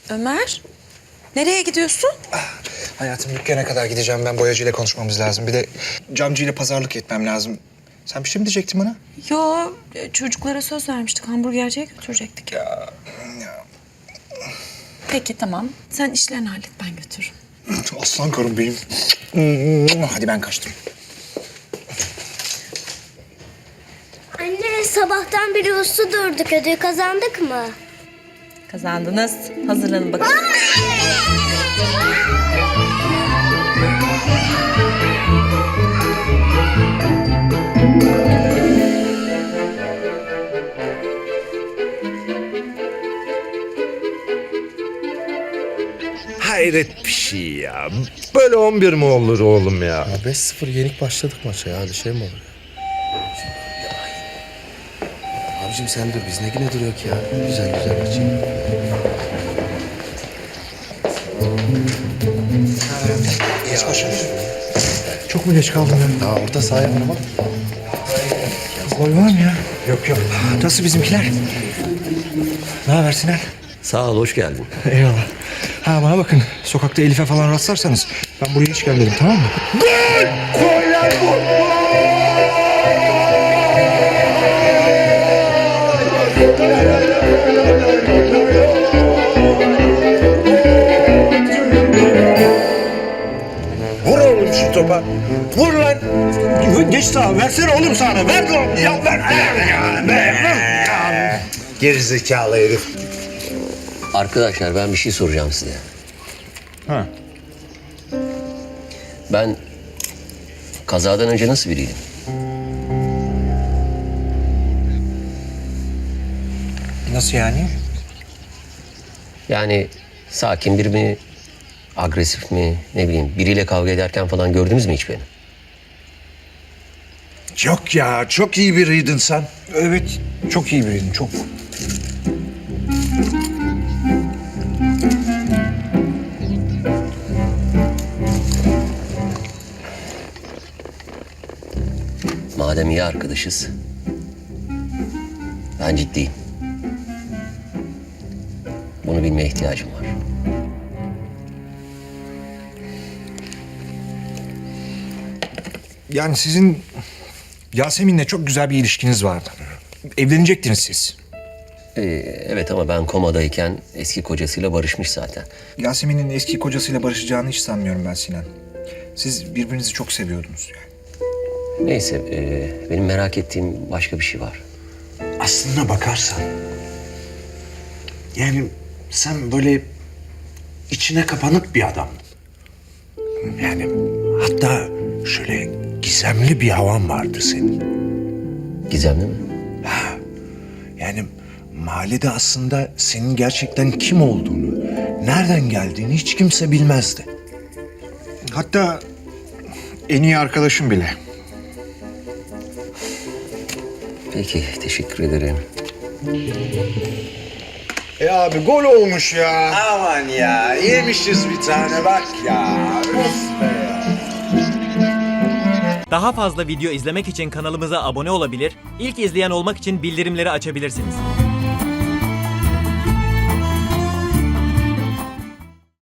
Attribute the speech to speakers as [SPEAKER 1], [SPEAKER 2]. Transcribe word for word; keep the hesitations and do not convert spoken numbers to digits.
[SPEAKER 1] Ömer, nereye gidiyorsun?
[SPEAKER 2] Ah, hayatım dükkana kadar gideceğim ben. Boyacıyla konuşmamız lazım. Bir de camcıyla pazarlık etmem lazım. Sen bir şey mi diyecektin bana?
[SPEAKER 1] Yo, çocuklara söz vermiştik. Hamburgerciye götürecektik.
[SPEAKER 2] Ya, ya.
[SPEAKER 1] Peki tamam. Sen işlerini hallet, ben götürürüm.
[SPEAKER 2] Aslan karım benim. Hadi ben kaçtım.
[SPEAKER 3] Anne sabahtan beri uslu durduk. Ödül kazandık mı?
[SPEAKER 1] Kazandınız. Hazırlanın bakalım.
[SPEAKER 4] Hayret bir şey ya. Böyle on bir mi olur oğlum ya?
[SPEAKER 5] Ya beş sıfır yenik başladık maça ya. Öyle şey mi olur ya? Abicim sen dur. Biz ne güne duruyor ki ya? Güzel güzel açayım.
[SPEAKER 2] Geç başladı. Çok mu geç kaldım ya?
[SPEAKER 5] Daha orta sahaya mı?
[SPEAKER 2] Gol var mı ya? Yok yok. Nasıl bizimkiler? Ne haber Sinan?
[SPEAKER 6] Sağ ol, hoş geldin.
[SPEAKER 2] Eyvallah. Ha bana bakın. Sokakta Elif'e falan rastlarsanız ben buraya hiç gelmedim, tamam mı?
[SPEAKER 4] Vur oğlum şu topa. Vur lan.
[SPEAKER 2] Geç sağa. Versene oğlum sağına. Ver lan. Ya ver. Ya, ver.
[SPEAKER 4] Gerizekalı herif.
[SPEAKER 6] Arkadaşlar ben bir şey soracağım size.
[SPEAKER 2] Ha.
[SPEAKER 6] Ben kazadan önce nasıl biriydim?
[SPEAKER 2] Nasıl yani?
[SPEAKER 6] Yani sakin bir mi, agresif mi, ne bileyim biriyle kavga ederken falan gördünüz mü hiç beni?
[SPEAKER 4] Yok ya, çok iyi biriydin sen.
[SPEAKER 2] Evet. Çok iyi biriydin. Çok.
[SPEAKER 6] Madem iyi arkadaşız, ben ciddiyim. Bunu bilmeye ihtiyacım var.
[SPEAKER 2] Yani sizin Yasemin'le çok güzel bir ilişkiniz vardı. Evlenecektiniz siz.
[SPEAKER 6] Ee, evet ama ben komadayken eski kocasıyla barışmış zaten.
[SPEAKER 2] Yasemin'in eski kocasıyla barışacağını hiç sanmıyorum ben Sinan. Siz birbirinizi çok seviyordunuz yani.
[SPEAKER 6] Neyse, e, benim merak ettiğim başka bir şey var.
[SPEAKER 4] Aslına bakarsan... Yani sen böyle içine kapanık bir adam. Yani hatta şöyle gizemli bir havan vardı senin.
[SPEAKER 6] Gizemli mi?
[SPEAKER 4] Yani mahallede aslında senin gerçekten kim olduğunu, nereden geldiğini hiç kimse bilmezdi.
[SPEAKER 2] Hatta en iyi arkadaşım bile.
[SPEAKER 6] Peki, teşekkür ederim.
[SPEAKER 4] E abi gol olmuş ya. Aman ya yemişiz bir tane bak ya. Of be ya.
[SPEAKER 7] Daha fazla video izlemek için kanalımıza abone olabilir, ilk izleyen olmak için bildirimleri açabilirsiniz.